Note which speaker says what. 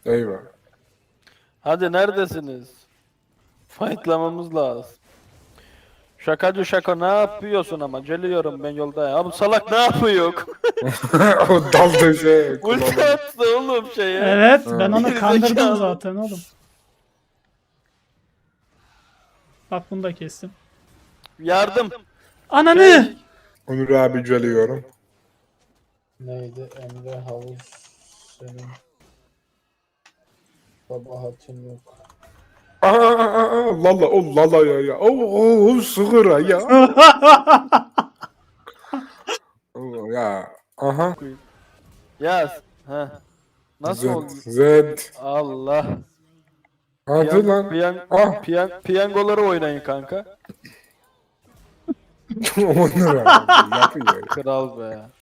Speaker 1: Eyvah.
Speaker 2: Hadi neredesiniz? Fightlamamız lazım. Şakacı şaka ne yapıyorsun ama geliyorum ben yolda ya. Bu salak ne yapıyor?
Speaker 1: O daldı şey.
Speaker 2: Ulti
Speaker 1: kulağına.
Speaker 2: attı oğlum şeye.
Speaker 3: Evet ben
Speaker 1: Ha.
Speaker 3: onu
Speaker 2: Geri
Speaker 3: kandırdım
Speaker 2: zekalı.
Speaker 3: zaten oğlum. Bak bunu da kestim.
Speaker 2: Yardım.
Speaker 3: Ananı!
Speaker 1: Onur abi geliyorum.
Speaker 4: Neydi? Emre Havuz senin kabahatin yok.
Speaker 1: Lala o lala ya. O sığıra ya. O ya. Aha.
Speaker 2: Yaz. Ha. Nasıl oldu?
Speaker 1: Zed.
Speaker 2: Allah.
Speaker 1: Hadi lan. Ah.
Speaker 2: Piyangoları oynayın kanka.
Speaker 1: Onur abi yapıyor ya.
Speaker 2: Kral be.